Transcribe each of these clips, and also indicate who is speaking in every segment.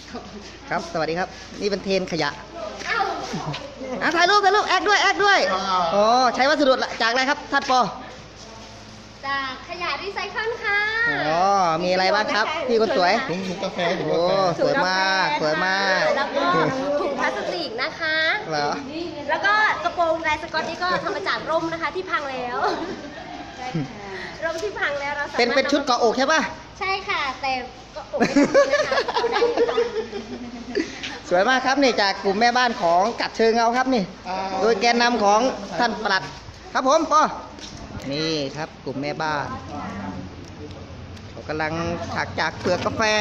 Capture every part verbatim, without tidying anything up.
Speaker 1: ครับสวัสดีครับนี่เป็นเทรนขยะอ่ะถ่ายรูปถ่ายรูปแอคด้วยแอคด้วยโอ้ใช้วัสดุจากอะไรครับท่านปอ
Speaker 2: จากขยะรีไซเคิลค่ะ
Speaker 1: อ๋อมีอะไรบ้างครับพี่คนสวย
Speaker 3: ถุงกาแฟถุง
Speaker 1: โอ้
Speaker 3: กาแฟ
Speaker 1: สวยมากสวยมาก
Speaker 2: แล้วก็ถุงพลาสติกนะคะ
Speaker 1: เหรอ
Speaker 2: แล้วก็กระโปรงลายสก๊อตนี่ก็ทำมาจากร่มนะคะที่พังแล้วร่มที่พังแล้วเรา
Speaker 1: เป็นเป็นชุดเกาะอกใช่ป่ะ
Speaker 2: ใช่ค่ะแต่ก็อกไม่ดีนะคะได้
Speaker 1: สวยมากครับนี่จากกลุ่มแม่บ้านของกัดเชิงเอาครับนี่โดยแกนนำของท่านปลัดครับผมปอนี่ครับกลุ่มแม่บ้านเขากำลังถักจากเปลือกกาแฟ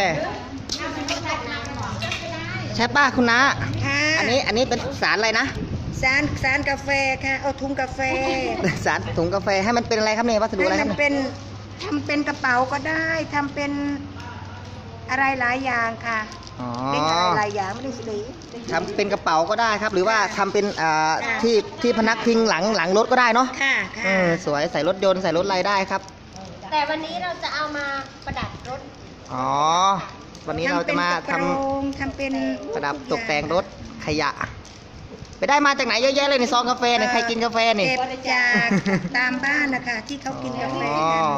Speaker 1: ใช่ป้าคุณน้าอันนี้อันนี้เป็นสารอะไรนะ
Speaker 4: สารสารกาแฟค่ะเอาถุงกาแฟ
Speaker 1: สารถุงกาแฟให้มันเป็นอะไรครับเนี่ยวัสดุอะไรครับ
Speaker 4: มันเป็นทำเป็นกระเป๋าก็ได้ทำเป็นอะไรหลายอย่างค่ะเป็นอะไรหลายอย่างไม่ได้สี
Speaker 1: ทำเป็นกระเป๋าก็ได้ครับหรือว่าทำเป็นที่ที่พนักพิงหลังหลังรถก็ได้เนาะ
Speaker 4: ค่ะค่ะ
Speaker 1: สวยใส่รถยนต์ใส่รถอะไรได้ครับ
Speaker 2: แต่วันนี้เราจะเอามาประดับรถ
Speaker 1: อ๋อวันนี้เราจะมาท
Speaker 4: ำทำเป็น
Speaker 1: ประดับตกแต่งรถขยะไปได้มาจากไหนเยอะแยะเลยในซองกาแฟเนี่ยใครกินกาแฟนี่
Speaker 4: เก็บจากตามบ้านนะคะที่เขากินกาแฟ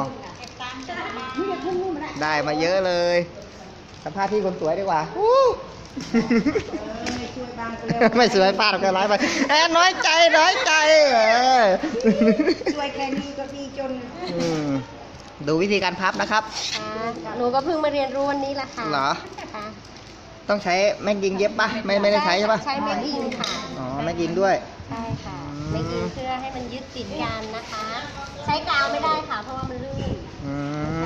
Speaker 1: ได้มาเยอะเลยสัมภาษณ์ที่คนสวยดีกว่าไม่สวยป้าก็ร้ายไปแอนน้อยใจน้อยใจ
Speaker 4: สวยแค่นี้ก็ดีจน
Speaker 1: ดูวิธีการพับนะครับ
Speaker 2: หนูก็เพิ่งมาเรียนรู้วันนี้แหละค่ะ
Speaker 1: เหรอต้องใช้แม็กยิงเย็บปะไม่ไม่ได้ใช้ใช่ปะ
Speaker 2: ใช้แม็กยิงค่ะ
Speaker 1: อ๋อแม็กยิงด้วย
Speaker 2: ใช่ค่ะแม็กยิงเพื่อให้มันยึดติดกันนะคะใช้กาวไม่ได้ค่ะเพราะว่ามันลื่น
Speaker 1: อืม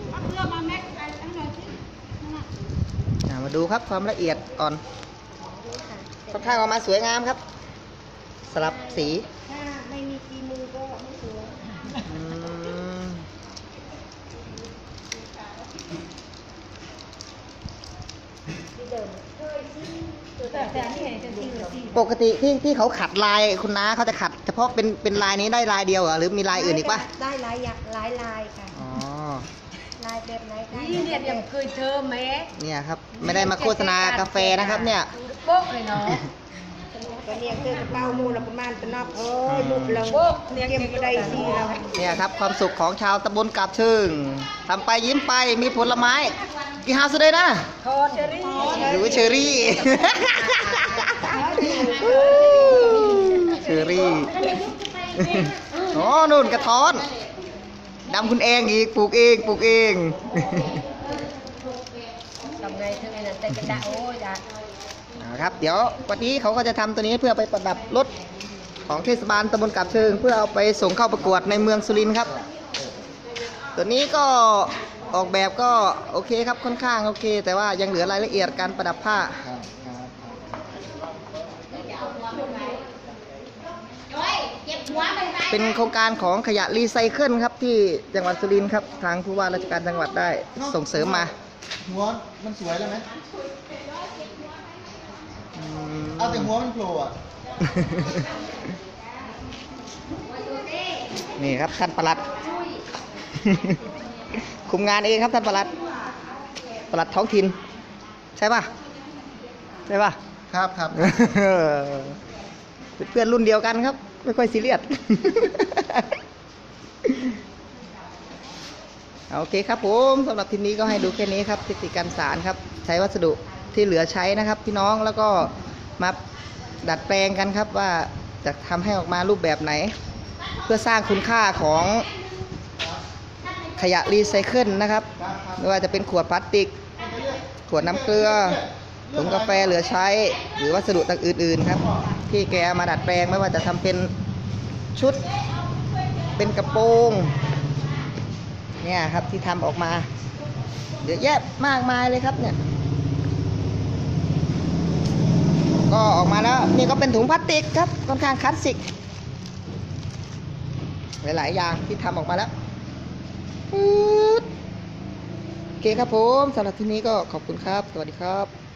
Speaker 1: มาดูครับความละเอียดอ่อนค่อนข้างออกมาสวยงามครับสลับสี
Speaker 4: ถ้าไม่มีฝีมือก็ไม่สวย
Speaker 1: ปกติที่ที่เขาขัดลายคุณน้าเขาจะขัดเฉพาะเป็นเป็นลายนี้ได้ลายเดียวเหรอหรือมีลายอื่นอีกปะ
Speaker 4: ได้ลายอยากลายลายค่ะ
Speaker 1: อ๋อ
Speaker 4: ลายแบบไหน
Speaker 2: นี่เนี่ยยังเคยเจอไหม
Speaker 1: เนี่ยครับไม่ได้มาโฆษณากาแฟนะครับเนี่ย
Speaker 2: โป๊กเลยเนาะ
Speaker 4: ก็เนี่ยคือกระเป๋ามูลประมาณตะนอบเอ้ยมุกเราเนี่ยเก็บไปได้สิเรา
Speaker 1: เนี่ยครับความสุขของชาวตำบลกาบเชิงทำไปยิ้มไปมีผลไม้กี่ฮาสุดเลยนะ
Speaker 4: ทอนเชอรี่
Speaker 1: หรือเชอรี่เชอรี่อ๋อนู่นกระท้อนดำคุณเองอีกปลูกเองปลูกเอง
Speaker 4: ทำไงทำไงนั่นแต่กระดาษโอ้ยจ้ะ
Speaker 1: นะครับเดี๋ยววันนี้เขาก็จะทำตัวนี้เพื่อไปประดับรถของเทศบาลตำบลกาบเชิงเพื่อเอาไปส่งเข้าประกวดในเมืองสุรินทร์ครับตัวนี้ก็ออกแบบก็โอเคครับค่อนข้างโอเคแต่ว่ายังเหลือรายละเอียดการประดับผ้าเป็นโครงการของขยะรีไซเคิลครับที่จังหวัดสุรินทร์ครับทางผู้ว่าราชการจังหวัดได้ส่งเสริมมา
Speaker 3: หัวมันสวยแล้วไหมเอาแต่หัวมันโผล่อะ
Speaker 1: นี่ครับท่านปลัดคุมงานเองครับท่านปลัดปลัดท้องถิ่นใช่ป่ะใช่ป่ะ
Speaker 3: ครับครับ
Speaker 1: เพื่อนรุ่นเดียวกันครับไม่ค่อยซีเรียสโอเคครับผมสำหรับทีนี้ก็ให้ดูแค่นี้ครับเทคนิคการสารครับใช้วัสดุที่เหลือใช้นะครับพี่น้องแล้วก็มาดัดแปลงกันครับว่าจะทำให้ออกมารูปแบบไหนเพื่อสร้างคุณค่าของขยะรีไซเคิลนะครับไม่ว่าจะเป็นขวดพลาสติกขวดน้ำเกลือถุงกาแฟเหลือใช้หรือวัสดุต่างอื่นๆครับที่แกมาดัดแปลงไม่ว่าจะทำเป็นชุดเป็นกระโปรงเนี่ยครับที่ทำออกมาเยอะแยะมากมายเลยครับเนี่ยก็ออกมาแล้วนี่ก็เป็นถุงพลาสติกครับค่อนข้างคลาสสิกหลายๆอย่างที่ทำออกมาแล้วโอเคครับผมสำหรับที่นี้ก็ขอบคุณครับสวัสดีครับ